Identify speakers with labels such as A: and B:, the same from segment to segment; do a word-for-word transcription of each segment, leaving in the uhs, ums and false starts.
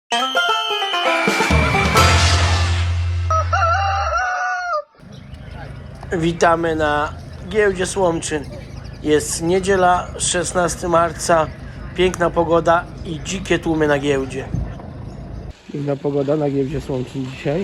A: Witamy na giełdzie Słomczyn. Jest niedziela, szesnastego marca. Piękna pogoda i dzikie tłumy na giełdzie. Piękna pogoda na giełdzie Słomczyn dzisiaj.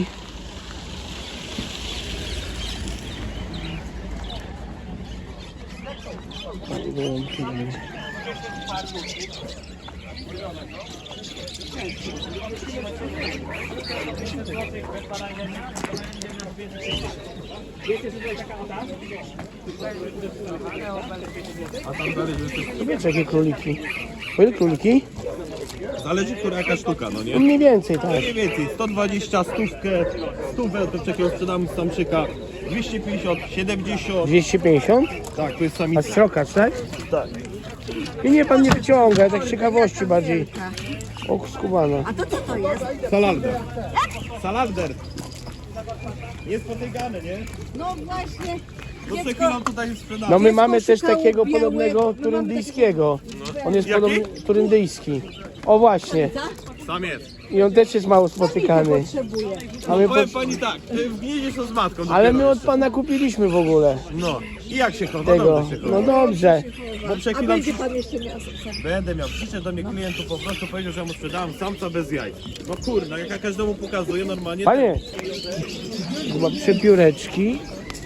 A: Wiecie, jakie króliki? Po ile króliki?
B: Zależy, która jaka sztuka, no nie?
A: Mniej więcej, tak.
B: Mniej więcej, sto dwadzieścia, stówkę, stówę do takiego sprzedamy z samczyka, dwieście pięćdziesiąt, siedemdziesiąt,
A: dwieście pięćdziesiąt?
B: tak, to jest
A: A
B: samica.
A: srokacz, tak?
B: Tak.
A: I nie, pan nie wyciąga, tak z ciekawości bardziej. O, skubano.
C: A to co to jest?
B: Salarder. Salarder. Niespotykany, nie?
C: No właśnie.
B: To przed chwilą tutaj sprzedamy.
A: No my mamy też
C: szukało
A: takiego
C: białe-
A: podobnego
C: my
A: turyndyjskiego. On jest
B: Jaki?
A: podobny turyndyjski. O właśnie.
B: Sam jest.
A: I on też jest mało spotykany.
C: Potrzebuję.
A: A my
B: Powiem
A: po...
B: pani tak, ty w gnieździe są z matką.
A: Ale
B: dopiero
A: my od
B: jeszcze.
A: pana kupiliśmy w ogóle
B: No. I jak się chowa?
A: tego.
B: Dobrze się chowa.
A: No dobrze.
B: Bo przed
C: A
B: chwilą
C: będzie pan jeszcze miał
B: będę miał. Przyszedł do mnie klientów, po prostu powiedział, że ja mu sprzedałem samca bez jaj. No kurna, jak ja każdemu pokazuję normalnie.
A: Panie, chyba przepióreczki.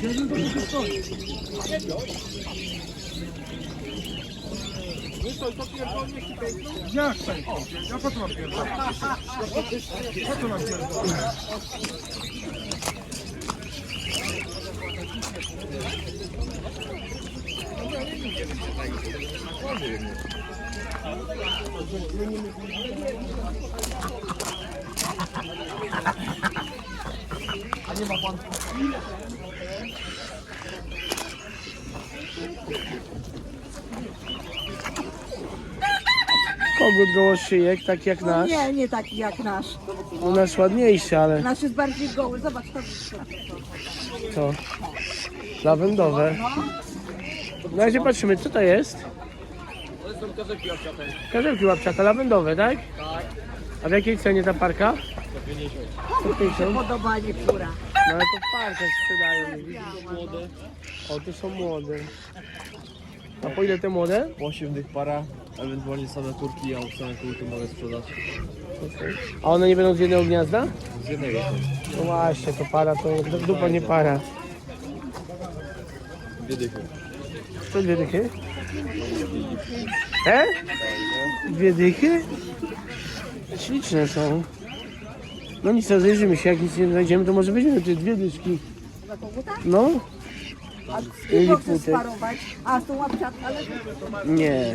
D: Jak to? Ja po co mam pierdolę? Po co mam pierdolę?
A: Kogut gołoszyjek, tak jak nasz.
C: Nie, nie taki jak nasz.
A: U nas ładniejszy, ale
C: Nasz jest bardziej goły. Zobacz, to
A: to lawendowe. Na razie patrzymy, co to jest? To są karzełki łapciate. Karzełki łapciate, lawendowe, tak? Tak. A w jakiej cenie ta parka? sto pięćdziesiąt.
C: podobanie pióra.
A: No ale to w parkach sprzedają. nie widzisz? O, tu są młode. A po ile te młode?
E: osiem dych para, ewentualnie same kurki, a same kurki mogę sprzedać
A: A one nie będą z jednego gniazda?
E: z jednego.
A: No właśnie, to para, to dupa nie para.
E: Dwie dychy.
A: To dwie dychy? E? Dwie dychy? Śliczne są. No nic, rozejrzymy się, jak nic nie znajdziemy, to może weźmiemy te dwie dyszki. No,
C: A z
A: Ili
C: kim chcesz
A: futek?
C: sparować? A z tą łapciatką, ale
A: nie.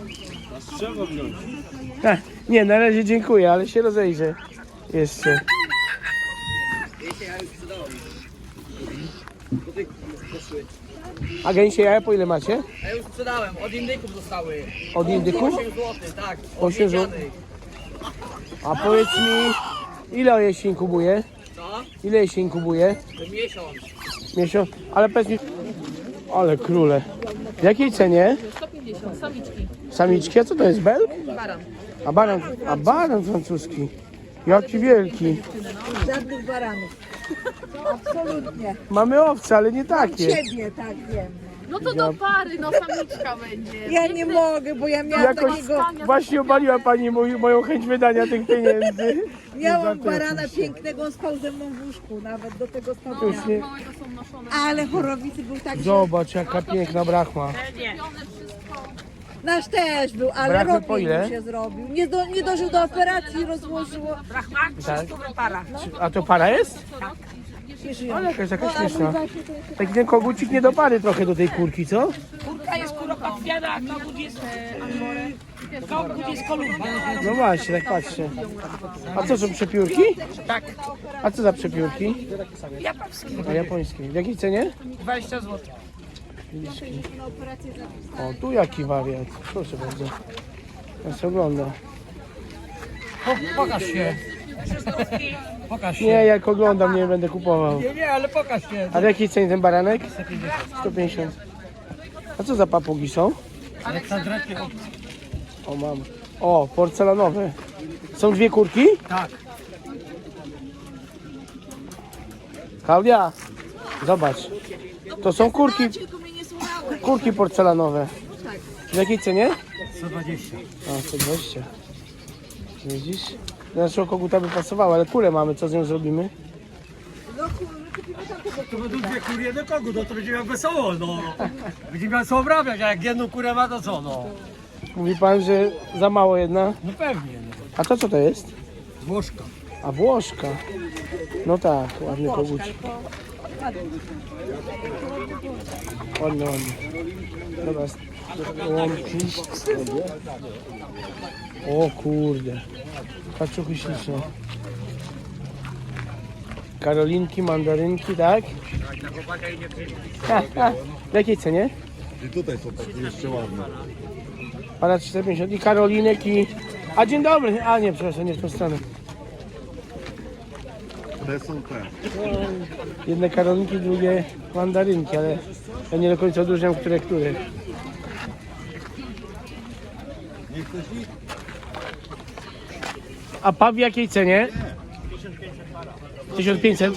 A: Ha, nie, na razie dziękuję, ale się rozejrzę jeszcze. A gęsie jaja po ile macie?
F: Ja już sprzedałem, od indyków zostały.
A: Od indyków?
F: osiem złotych, tak.
A: osiem złotych. A powiedz mi, ile jesień inkubuje?
F: Co?
A: Ile jesień inkubuje?
F: Miesiąc.
A: Miesiąc? Ale powiedz mi... Ale króle. W jakiej cenie?
G: sto pięćdziesiąt, samiczki,
A: Samiczki? A co to jest, belg?
G: baran.
A: A baran, a baran francuski. Jaki wielki.
C: żadnych baranów. Absolutnie.
A: Mamy owce, ale nie takie.
C: Ciebie, tak wiem.
G: No to do pary, no samiczka będzie.
C: Ja nie mogę, bo ja miałam
A: Jakoś
C: takiego,
A: właśnie obaliła pani mój, moją chęć wydania tych pieniędzy.
C: miałam barana pięknego, on spał ze mną w łóżku, nawet do tego stopnia.
A: Już nie...
G: Małego są noszone.
C: Ale chorowicy był tak, że
A: Zobacz, jaka piękna brachma.
C: nasz też był, ale
A: Brachmy po
C: robił
A: ile?
C: się zrobił. Nie, do, nie dożył do operacji, rozłożyło.
A: Tak? A to para jest? Ale jakaś taka śmieszna. Taki ten kogucik nie do pary trochę do tej kurki, co?
F: Kurka jest kuropatwiana, a kogut jest... Kogut jest kolumba.
A: No właśnie, tak patrzę. A co są przepiórki?
F: Tak.
A: A co za przepiórki?
F: Japoński.
A: A japońskie. W jakiej cenie?
F: dwadzieścia złotych.
A: O, tu jaki wariat. Proszę bardzo. Ja się ogląda.
F: Pokaż się. Pokaż się.
A: Nie, jak oglądam, nie będę kupował.
F: Nie, nie, ale pokaż się.
A: A w jakiej cenie ten baranek? sto pięćdziesiąt. A co za papugi są?
F: Aleksandra.
A: O, mam. O, porcelanowe. Są dwie kurki?
D: Tak.
A: Klaudia, zobacz. To są kurki,
C: Tylko mnie nie słuchały.
A: kurki porcelanowe. W jakiej cenie?
D: sto dwadzieścia.
A: A, sto dwadzieścia. Widzisz? Do naszego koguta by pasowało, ale kulę mamy, co z nią zrobimy?
D: To będą dwie kury, jeden kogut, no to będzie miał wesoło, no. Będzie miał co obrabiać, a jak jedną kurę ma, to co, no.
A: Mówi pan, że za mało jedna.
D: No pewnie, no.
A: A to co to jest?
D: Włoszka.
A: A Włoszka. No tak, ładny kogut. Ładny, ładny. Dobra, łąki. O kurde. Kaczuchy śliczne. Karolinki, mandarynki, tak? Ha, ha. W jakiej cenie?
H: I tutaj są takie jeszcze ładne.
A: Pana czterysta pięćdziesiąt i karolinek i... A dzień dobry! A nie, przepraszam, nie w tą stronę.
H: Te są te.
A: Jedne karolinki, drugie mandarynki, ale ja nie do końca odróżniam, które, które.
H: Nie chcesz ich?
A: A pap w jakiej cenie? tysiąc pięćset.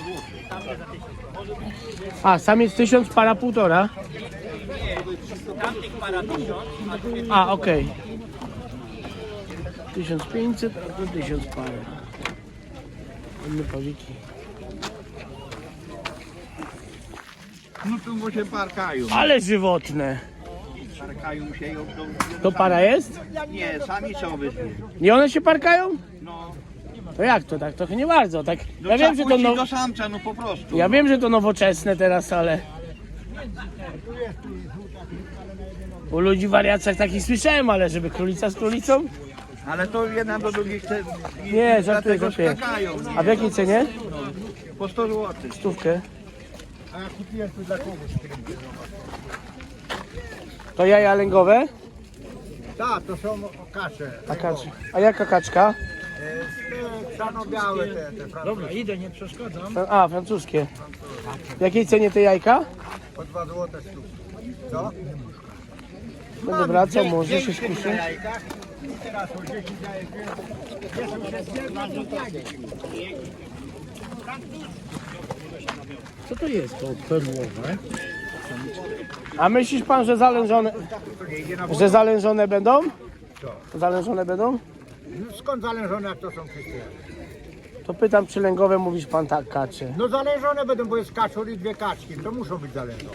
A: A, sam jest tysiąc, para półtora. A, okej. tysiąc pięćset, a to tysiąc para. Inne pawiki.
H: No tu bo się parkają.
A: Ale żywotne.
H: Parkają się i obdą...
A: To para jest?
H: Nie, sami są obydwie.
A: I one się parkają?
H: No.
A: To jak to tak? Trochę nie bardzo, tak?
H: No
A: Ja wiem, że to
H: puścić
A: no...
H: do samca, no po prostu.
A: Ja wiem, że to nowoczesne teraz, ale... U ludzi w wariacjach takich słyszałem, ale żeby królica z królicą?
H: Ale to jedna do drugiej chce... i
A: Nie, żartuję,
H: dlatego
A: żartuję.
H: skakają.
A: A w jakiej cenie?
H: Po sto złotych.
A: Stówkę.
D: A ja kupiłem tu dla kogoś.
A: To jaja lęgowe?
D: Tak, to są kasze.
A: A, kacz... A jaka kaczka?
D: Czarno-białe te, te Dobra, idę, nie przeszkadzam.
A: A, francuskie. W jakiej cenie te jajka?
D: Po dwa złote sztuk. Co?
A: Będę wracał, może się skuszę.
D: Teraz o dziesięć jajek
A: Co to jest to perłowe? A myślisz pan, że zalężone, że zalężone będą? Zalężone będą?
D: Skąd zalężone, jak to są wszystkie?
A: To pytam, czy lęgowe mówisz pan tak, kacze.
D: No zalężone będą, bo jest kaczor i dwie kaczki. To muszą być zalężone.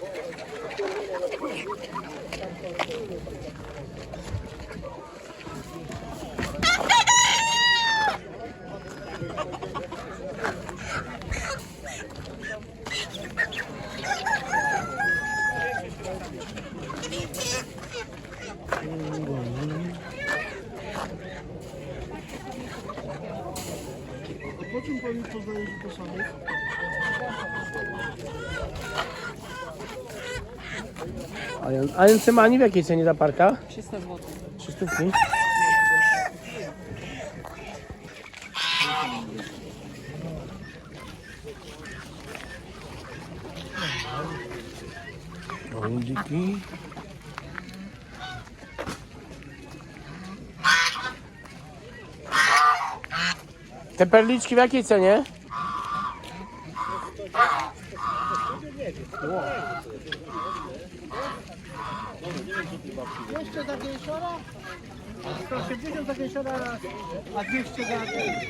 A: A, a Encymani w jakiej cenie ta parka?
F: trzysta złotych.
A: Trzy stówki. Gołębiki. Te perliczki w jakiej cenie?
D: Jeszcze takie siora? sto osiemdziesiąt takie siora, a dwieście za...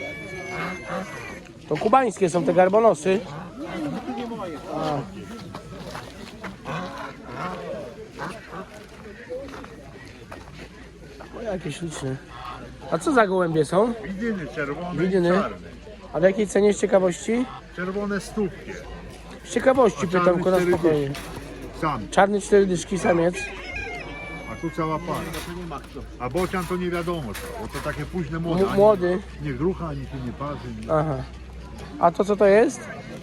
A: To kubańskie są te garbonosy. A. O, jakie śliczne. A co za gołębie są?
H: Widziny czerwone
A: Widziny.
H: i czarne.
A: A w jakiej cenie z ciekawości?
H: Czerwone stówkie.
A: Z ciekawości pytam,
H: czarny
A: tylko na
H: cztery
A: spokojnie.
H: Sam.
A: Czarny cztery dyszki, samiec.
H: A tu cała para. A bocian to nie wiadomo co, bo to takie późne młode.
A: M-
H: Ani
A: młody.
H: Nie grucha, ani się nie parzy. Nie.
A: Aha. A to co to jest?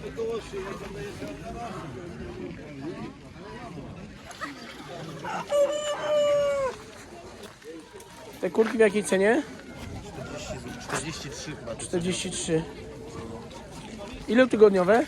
A: Te kurki w jakiej cenie?
B: czterdzieści trzy chyba.
A: czterdzieści trzy. Ile tygodniowe?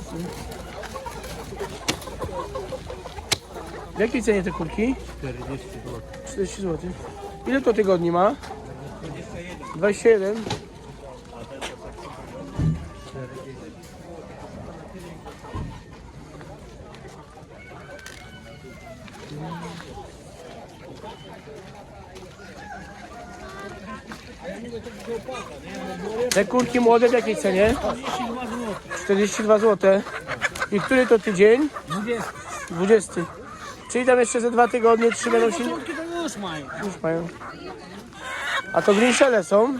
A: W jakiej cenie te kurki? czterdzieści złotych. Ile to tygodni ma? dwadzieścia jeden. Te kurki młode w jakiej cenie? czterdzieści dwa złote. I który to tydzień? dwudziesty. Czyli tam jeszcze ze dwa tygodnie, trzy będą się...
D: Już mają.
A: Już mają. A to grinszele są?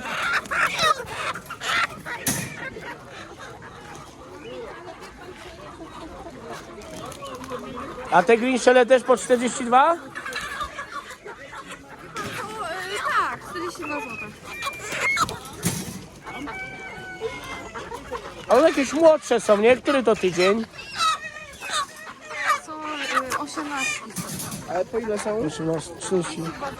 A: A te grinszele też po czterdzieści dwa?
G: Tak, czterdzieści dwa złote.
A: A one jakieś młodsze są, nie? Który to tydzień?
G: Są y, osiemnaście.
A: Ale po ile są? osiemnaście, trzydzieści.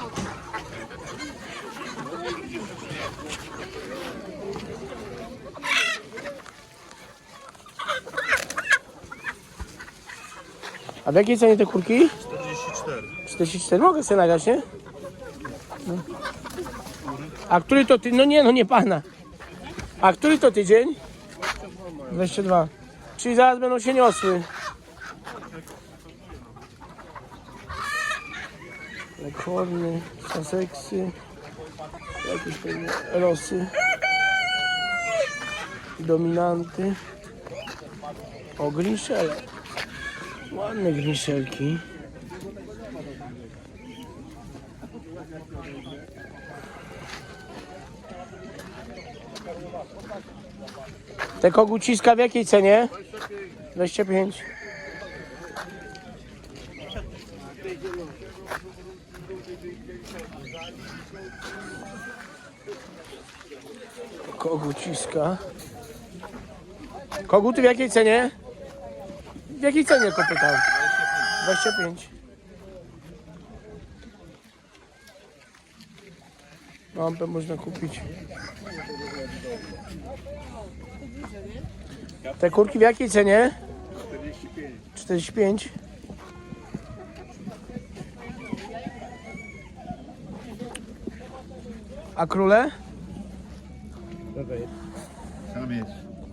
A: A w jakiej cenie te kurki?
B: czterdzieści cztery.
A: czterdzieści cztery. Mogę sobie nagrać, nie? No. A który to ty? No nie, no nie pana. A który to tydzień? dwadzieścia dwa. Czyli zaraz będą się niosły. Lekorny, saseksy, jakieś pewnie rosy, dominanty. O, grinszele. Ładne grinszelki. Te koguciska w jakiej cenie? dwadzieścia pięć. Koguciska. Koguty w jakiej cenie? W jakiej cenie to pytam? dwadzieścia pięć. Lampę można kupić. Te kurki w jakiej cenie? czterdzieści pięć. A króle?
H: Samiec.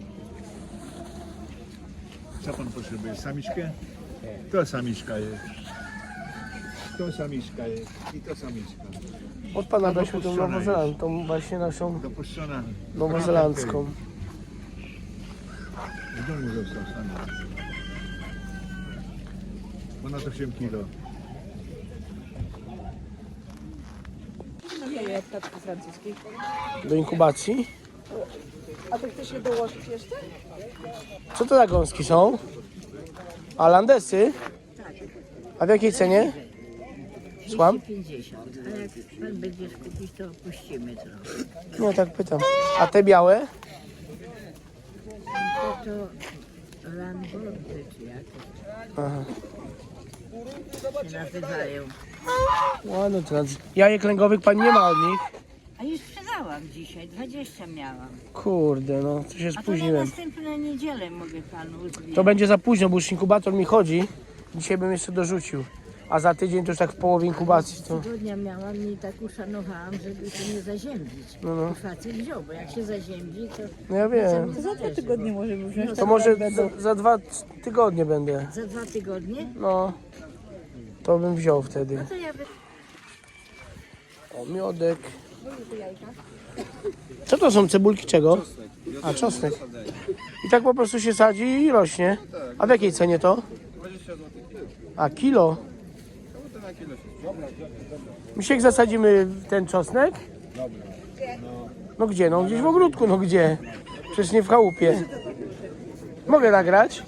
H: Co pan potrzebuje? Samiczkę? To samiczka jest. To samiczka jest. I to samiczka.
A: Od pana weźmy tą
H: dopuszczona
A: Nową Zelandię, tą właśnie naszą
H: Dopuszczona.
A: nowozelandzką.
H: W domu został samiec. Ponad osiem kilo.
C: No nie, jak taczki francuskiej.
A: Do inkubacji.
C: A ty chcesz je dołożyć jeszcze?
A: Co to za gąski są? A landesy? A w jakiej cenie? Słucham?
I: pięćdziesiąt, a jak pan będziesz kupić, to opuścimy trochę.
A: Nie, tak pytam. A te białe?
I: To to lambordy czy jak
A: Aha.
I: się nazywają.
A: Ładno to nazy- Jajek lęgowych pan nie ma od nich?
I: A już sprzedałam dzisiaj, dwadzieścia miałam.
A: Kurde, no to się
I: A to na
A: spóźniłem.
I: następną niedzielę mogę panu zwiedzić.
A: To będzie za późno, bo już inkubator mi chodzi. Dzisiaj bym jeszcze dorzucił. A za tydzień to już tak w połowie inkubacji to...
I: Tygodnia miałam i tak uszanowałam, żeby się nie zaziębić.
A: No, no.
I: I facet wziął, bo jak się zaziębi, to
A: No ja wiem.
C: To za dwa tygodnie możemy wziąć.
A: To może za, za dwa tygodnie będę.
I: za dwa tygodnie,
A: No. To bym wziął wtedy.
I: no to ja by...
A: O, miodek. Co to są cebulki czego? A, czosnek. I tak po prostu się sadzi i rośnie. A w jakiej cenie to? A, kilo? Misiek, zasadzimy ten czosnek? No gdzie? No gdzieś w ogródku, no gdzie? Przecież nie w chałupie. Mogę nagrać?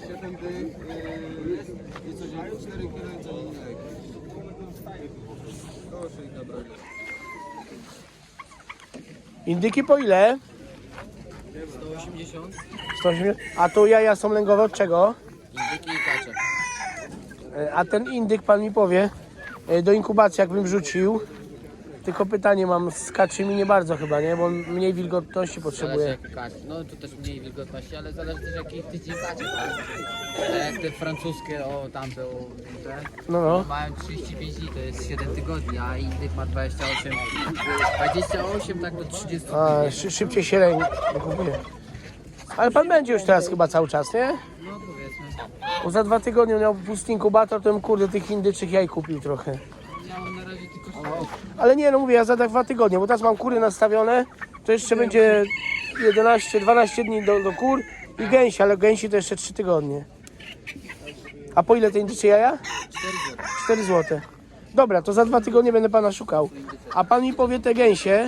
A: Indyki po ile?
E: sto osiemdziesiąt.
A: sto osiemdziesiąt. A tu jaja są lęgowe od czego?
E: Indyki i kacze.
A: E, A ten indyk pan mi powie, e, do inkubacji jakbym wrzucił, Tylko pytanie mam, z kaczymi nie bardzo chyba, nie? Bo on mniej wilgotności
J: Zależy
A: potrzebuje.
J: jaki kac. No tu też mniej wilgotności, ale zależy też jaki tydzień kacie. Tak jak te francuskie, o tamte, o te,
A: No, no.
J: mają trzydzieści pięć dni, to jest siedem tygodni, a innych ma dwadzieścia osiem. dwadzieścia osiem tak do trzydziestu
A: A,
J: dni.
A: szy, szybciej się ręki kupuje. Ale pan będzie już teraz chyba cały czas, nie?
J: No powiedzmy.
A: Bo za dwa tygodnie miał pusty inkubator, to bym kurde tych indyczych jaj kupił trochę.
J: Ja mam na razie tylko
A: Ale nie, no mówię, ja za tak dwa tygodnie, bo teraz mam kury nastawione, to jeszcze będzie jedenaście dwanaście dni do, do kur i gęsi, ale gęsi to jeszcze trzy tygodnie. A po ile te indycze jaja? cztery złote. Dobra, to za dwa tygodnie będę pana szukał. A pan mi powie te gęsie.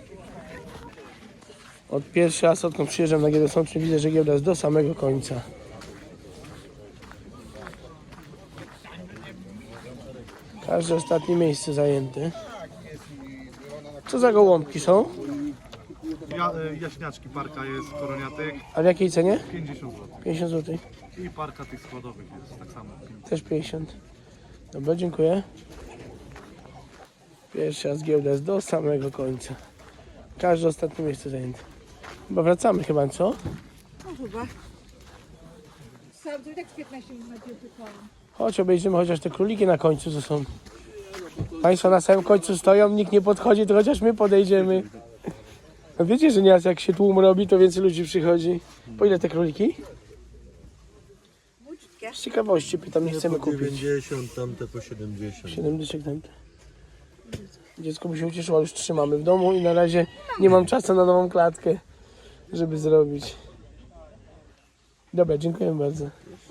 A: Od pierwszy raz, odkąd przyjeżdżam na giełdę sączną, widzę, że giełda jest do samego końca. Każde ostatnie miejsce zajęte. Co za gołąbki są?
B: Ja, jaśniaczki parka jest koroniatek,
A: A w jakiej cenie?
B: pięćdziesiąt złotych.
A: pięćdziesiąt złotych.
B: I parka tych składowych jest tak samo.
A: Też pięćdziesiąt. Dobra, dziękuję. Pierwsza z giełda jest do samego końca. Każde ostatnie miejsce zajęte. Chyba wracamy chyba, co?
C: No chyba. Sam to i tak z piętnaście minut na piłkę.
A: Chodź, obejrzymy chociaż te króliki na końcu, co są. Państwo na samym końcu stoją, nikt nie podchodzi, to chociaż my podejdziemy. No wiecie, że nieraz jak się tłum robi, to więcej ludzi przychodzi. Po ile te króliki? Z ciekawości pytam, nie chcemy kupić.
B: dziewięćdziesiąt, tamte po siedemdziesiąt.
A: siedem dyszek tamte. Dziecko by się ucieszyło, ale już trzymamy w domu i na razie nie mam czasu na nową klatkę, żeby zrobić. Dobra, dziękuję bardzo.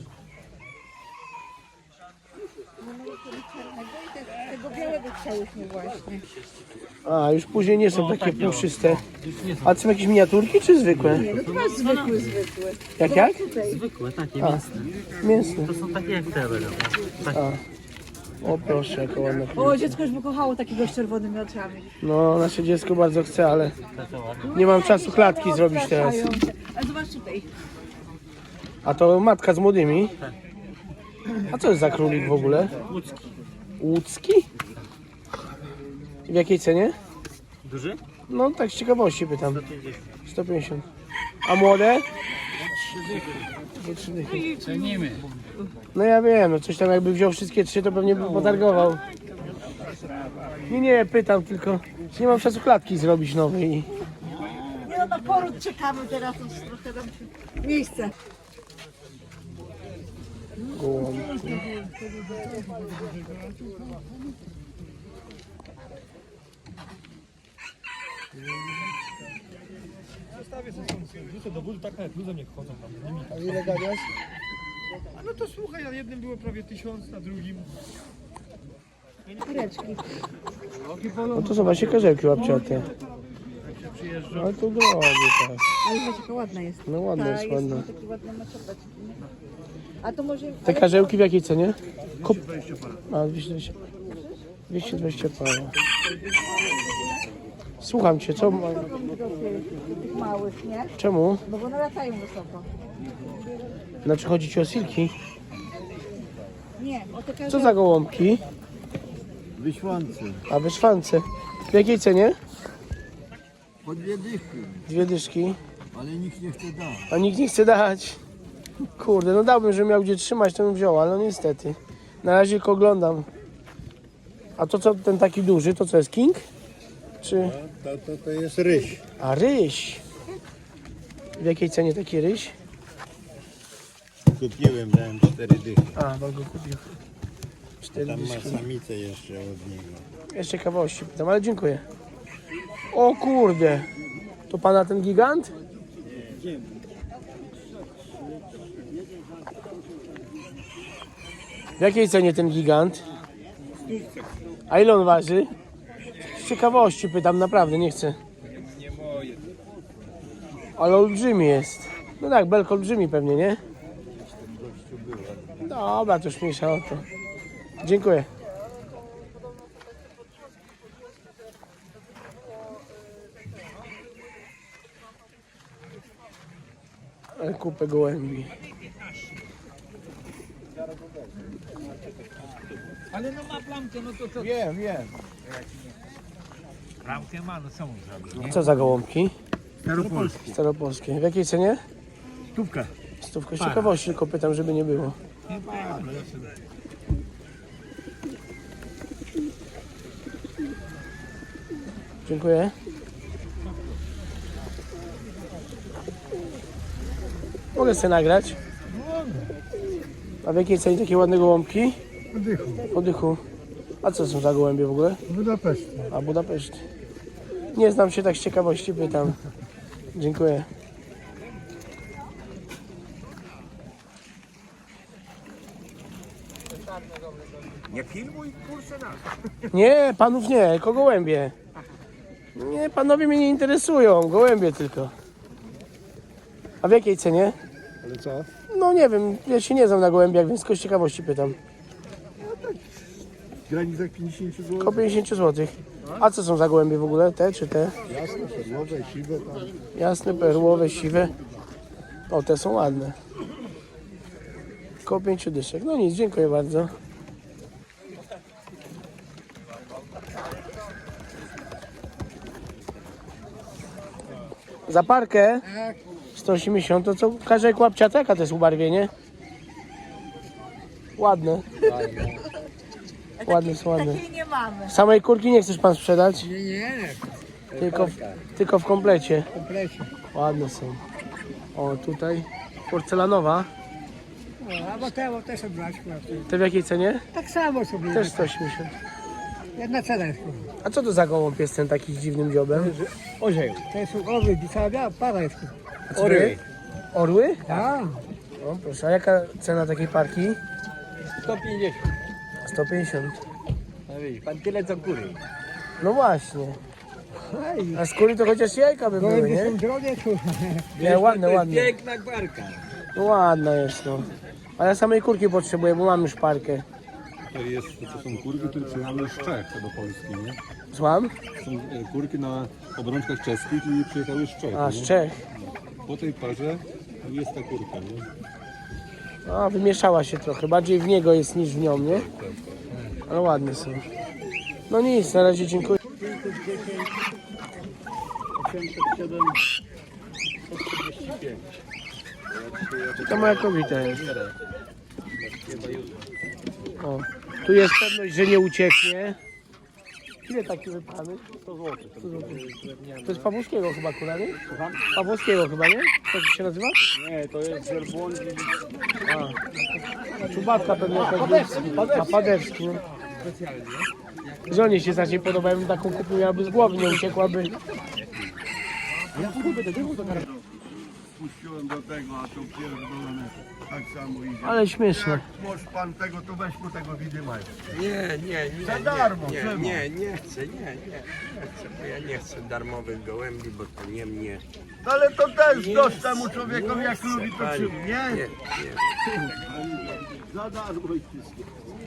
C: Tego białego chciałyśmy właśnie.
A: A, już później nie są takie puszyste. A to są jakieś miniaturki czy zwykłe?
C: Nie, no to masz zwykły, zwykły.
A: Jak, jak?
E: Zwykłe, takie
A: A,
E: mięsne.
A: mięsne.
E: To są takie jak te będą.
A: A. O proszę, jaka ładna.
C: O, dziecko już by kochało takiego z czerwonymi oczami.
A: No, nasze dziecko bardzo chce, ale nie mam czasu klatki zrobić teraz.
C: Ale zobacz tutaj.
A: A to matka z młodymi? A co jest za królik w ogóle?
E: Łódzki.
A: Łódzki? W jakiej cenie?
E: Duży?
A: No tak z ciekawości pytam. sto pięćdziesiąt. A młode? trzy dychy.
J: Cenimy.
A: No ja wiem, no coś tam jakby wziął wszystkie trzy, to pewnie by potargował. Nie, nie, pytam tylko. Nie mam czasu klatki zrobić nowej.
C: Nie no, na poród czekamy teraz, już trochę nam się... Miejsce.
A: Gołąbki.
D: Wrzucę do budu, tak nawet luzem nie chodzą tam.
A: A ile gadasz?
D: A no to słuchaj, na jednym było prawie tysiąc, na drugim.
C: Kureczki.
A: No to są właśnie karzełki łapciate. Ale to drogie teraz.
C: Ale zobacz, jaka ładna jest.
A: No ładna jest, ładna.
C: Takie ładne maczopeczki, nie? A to może...
A: Te karzełki w jakiej cenie? Kup... A, dwieście dwadzieścia para. dwieście dwadzieścia para. Słucham cię, co... ma-
C: Tych małych, nie?
A: Czemu?
C: No bo one latają wysoko.
A: Znaczy chodzi ci o silki?
C: Nie, o te
A: Co
C: karzełki.
A: za gołąbki?
H: Wyśłance.
A: A wyszwance. W jakiej cenie?
H: Po dwie dychy,
A: Dwie dyszki.
H: ale nikt nie chce dać.
A: A nikt nie chce dać. Kurde, no dałbym, że miał gdzie trzymać, to bym wziął, ale no niestety. Na razie tylko oglądam. A to co, ten taki duży, to co jest king? Czy...
H: To, to, to jest ryś.
A: A ryś. W jakiej cenie taki ryś?
H: Kupiłem, dałem cztery dychy.
A: A, pan go kupił. Cztery
H: Tam
A: dyszki.
H: ma samicę jeszcze od niego.
A: Jeszcze ciekawości pytam, ale dziękuję. O kurde. To pana ten gigant? W jakiej cenie ten gigant? A ile on waży? Z ciekawości pytam, naprawdę, nie chcę. Ale olbrzymi jest. No tak, belk olbrzymi pewnie, nie? Dobra, to już mniejsza o to. Dziękuję. Ale kupę gołębi.
D: Ale no ma plamkę, no to co?
H: Wiem, wiem. Ramkę ma, no co mu zrobić?
A: Co za gołąbki?
H: Staropolski.
A: Staropolskie. W jakiej cenie?
H: Stówkę.
A: Stówkę. Z ciekawości tylko pytam, żeby nie było.
H: Nie ma, no ja sobie...
A: Dziękuję. Mogę sobie nagrać? A w jakiej cenie takie ładne gołąbki?
H: Oddychu.
A: Oddychu. A co są za gołębie w ogóle?
H: Budapeszt.
A: A Budapeszt. Nie znam się, tak z ciekawości pytam. Dziękuję.
H: Nie filmuj, kurczę nas.
A: Nie, panów nie, tylko gołębie. Nie, panowie mnie nie interesują, gołębie tylko. A w jakiej cenie?
H: Ale co?
A: No nie wiem, ja się nie znam na gołębiach, więc tylko z ciekawości pytam.
H: W granicach pięćdziesiąt złotych.
A: Około pięćdziesiąt złotych. A co są za gołębie w ogóle? Te czy te?
H: Jasne, perłowe, siwe tam.
A: Jasne, perłowe, siwe. O, te są ładne. Koło pięciu dyszek. No nic, dziękuję bardzo. Za parkę? sto osiemdziesiąt, to co? Każda łapciata, jaka to jest ubarwienie? Ładne. Ładne są ładne.
C: Takiej nie mamy.
A: Samej kurki nie chcesz pan sprzedać?
I: Nie, nie,
A: Tylko w, tylko w komplecie.
I: w komplecie.
A: Ładne są. O, tutaj porcelanowa.
I: No, albo te, bo te są brać.
A: Te w jakiej cenie?
I: Tak samo sobie.
A: Też sto osiemdziesiąt.
I: Jedna cena jest.
A: A co to za gołąb jest ten taki z dziwnym dziobem?
I: Orzeł. To są orły, cała biała para jest.
A: A co to jest? Orły?
I: Tak.
A: O, proszę, a jaka cena takiej parki?
I: sto pięćdziesiąt.
A: sto pięćdziesiąt.
I: No widzisz, pan tyle co góry.
A: No właśnie. A skóry to chociaż jajka by były,
I: Gołębie
A: nie?
I: są drogie, tu.
A: Nie, ładne, ładne.
I: Piękna gwarka.
A: No ładna jest, no. A ja samej kurki potrzebuję, bo mam już parkę.
B: To jest, to są kurki, które przyjechały z Czech do Polski, nie?
A: Złam?
B: Są e, kurki na obrączkach czeskich i przyjechały z Czech.
A: A,
B: nie?
A: z Czech.
B: Po tej parze jest ta kurka, nie?
A: A, wymieszała się trochę. Bardziej w niego jest niż w nią, nie? Ale ładne są. No nic, na razie dziękuję. To moja kobieta jest. O, tu jest pewność, że nie ucieknie. Ile taki wypchany? sto złotych. To jest Pawłowskiego chyba kura, nie? Pawłowskiego chyba, nie? Jak się nazywa?
D: Nie, to jest żerbłądź.
A: A czubatka pewnie jakaś. A Padewski. No. Żonie się zacznie podoba, jakbym taką kupił, miałaby z głowy, nie uciekłaby.
H: Puściłem do tego, a to pierdolone tak samo idzie.
A: Ale śmieszne.
H: Może pan tego, to weź mu tego widymaj.
D: Nie, nie, nie.
H: Za darmo,
D: nie,
H: czemu?
D: nie, nie chcę, nie, nie, nie chcę, bo ja nie chcę darmowych gołębi, bo to nie mnie.
H: No ale to też dość temu człowiekowi, jak lubi to
D: Panie,
H: czym,
D: nie,
H: nie?
D: nie.
H: Za darmo i wszystko.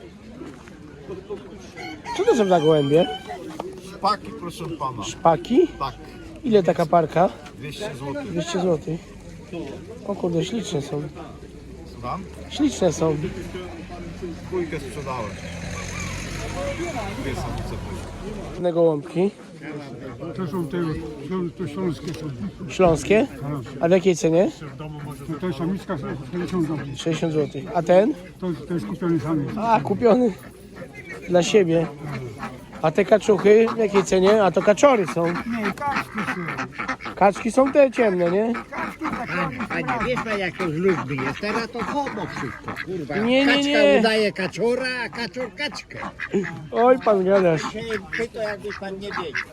A: Co to są za gołębie?
H: Szpaki, proszę pana.
A: Szpaki?
H: Tak,
A: Ile taka parka?
H: dwieście złotych.
A: dwieście złotych. O kurde, śliczne są.
H: Słucham?
A: Śliczne są.
H: Dwójkę sprzedałem. Dwie samice.
A: Ładne gołąbki.
K: To są te, to śląskie są.
A: Śląskie? A w jakiej cenie?
K: To jest samiczka sześćdziesiąt złotych.
A: sześćdziesiąt złotych. A ten?
K: To, to jest kupiony samiec.
A: A, kupiony. Dla siebie. A te kaczuchy w jakiej cenie? A to kaczory są.
K: Nie, kaczki są.
A: Kaczki są te ciemne, nie?
I: A nie wiesz pan jak to z ludźmi jest, teraz to homo wszystko, kurwa.
A: Nie, nie,
I: Kaczka
A: nie.
I: udaje kaczora, a kaczor kaczkę.
A: Oj, pan gadasz.
I: Się pyta jakby pan nie wiedział.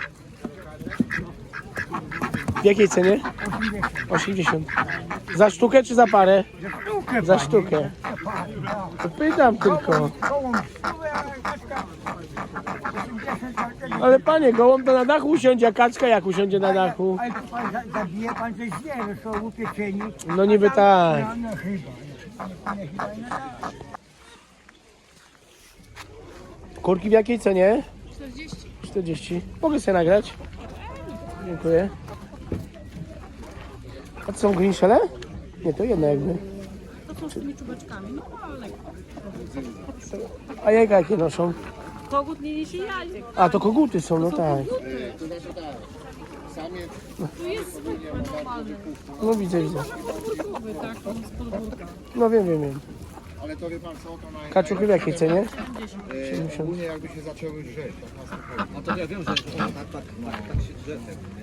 A: W jakiej cenie? osiemdziesiąt. Za sztukę czy za parę? Za sztukę. To pytam tylko. Ale panie, gołąb to na dachu usiądzie, a kaczka jak usiądzie na dachu?
K: Ale to pan za- zabije pan coś zwierzę, są upieczeni.
A: No niby tak.
K: No, no chyba. Nie, chyba nie tak.
A: Kurki w jakiej cenie?
G: czterdzieści.
A: czterdzieści. Mogę sobie nagrać? Dziękuję. A to są greenshelle? Nie, to jedno jakby.
G: To
F: są z tymi czubeczkami, no ale
A: A jajka jakie noszą?
F: kogut nie niesie jajek.
A: A, to koguty są, no tak.
F: Tu jest zwykły, normalny.
A: No widzę, widzę.
F: Podwórkowy, tak, on z podwórka.
A: No wiem, wiem, wiem.
H: Ale to wie pan co, to na
A: Kaczuchy w jakiej cenie?
H: e, ogólnie jakby się zaczęły drzeć, tak na spokojnie.
I: No to ja wiem, że tak, tak, no, tak się drze.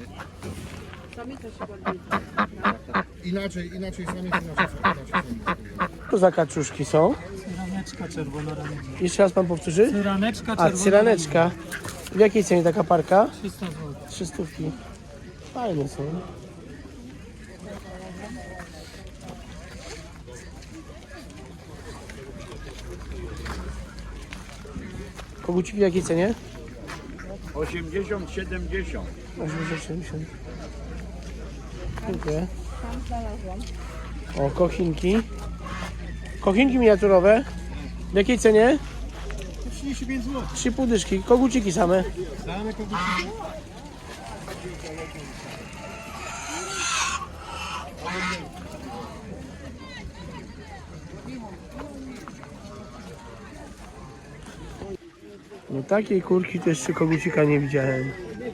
H: Inaczej, inaczej sami inaczej, inaczej sami.
A: Co za kaczuszki są?
D: Cyraneczka czerwona ramienia.
A: Jeszcze raz pan powtórzy?
D: Cyraneczka
A: A,
D: czerwona
A: cyraneczka. W jakiej cenie taka parka?
D: trzysta złotych.
A: Trzy stówki. Fajne są. Koguciki w jakiej cenie?
H: osiemdziesiąt, siedemdziesiąt.
A: osiemdziesiąt, siedemdziesiąt. Dziękuję. O, kochinki. Kochinki miniaturowe. W jakiej cenie?
D: trzydzieści pięć złotych.
A: Trzy pół dyszki. Koguciki same.
D: Damy koguciki.
A: No takiej kurki to jeszcze kogucika nie widziałem.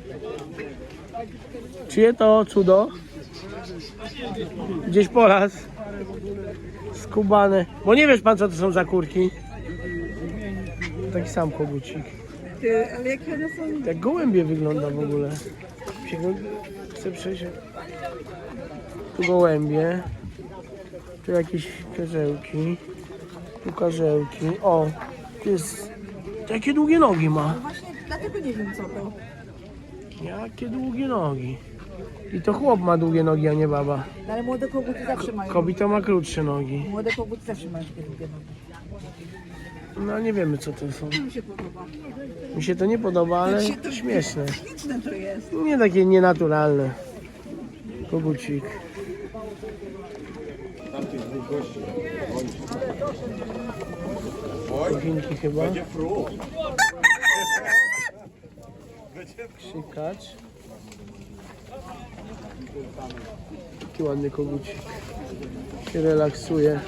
A: Czyje to cudo? Gdzieś po raz. Skubane. Bo nie wiesz pan co to są za kurki. Taki sam kogucik.
C: Ty, ale jakie one są?
A: Jak gołębie wygląda w ogóle. Się go... Chcę przejść. Tu gołębie. Tu jakieś karzełki. Tu karzełki. O, tu jest... Jakie długie nogi ma.
C: No właśnie, dlatego nie wiem co to.
A: Jakie długie nogi. I to chłop ma długie nogi, a nie baba.
C: No, ale młode koguty zawsze mają.
A: Kobita ma krótsze nogi.
C: Młode koguty zawsze mają takie długie nogi.
A: No nie wiemy co to są.
C: To mi się podoba.
A: Mi się to nie podoba, ale
C: się to-
A: śmieszne.
C: Śliczne to jest.
A: Nie takie nienaturalne. Kogucik. Kochinki chyba. Krzykacz. Taki ładny kogucik. Się relaksuje.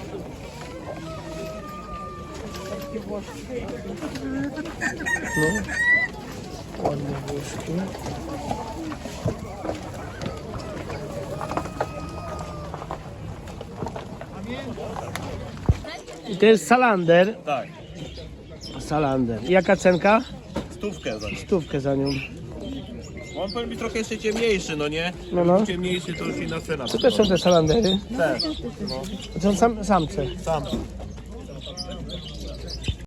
A: No. Ładne włoszki. I to jest salander.
B: Tak,
A: Salander. I jaka cenka?
B: stówkę za nie.
A: Stówkę za nią.
B: On powinien być trochę jeszcze ciemniejszy, no nie?
A: No, no.
B: Ciemniejszy to już inna cena.
A: Co to są te salandery?
B: Tak,
A: To są sam, samce.
B: sam.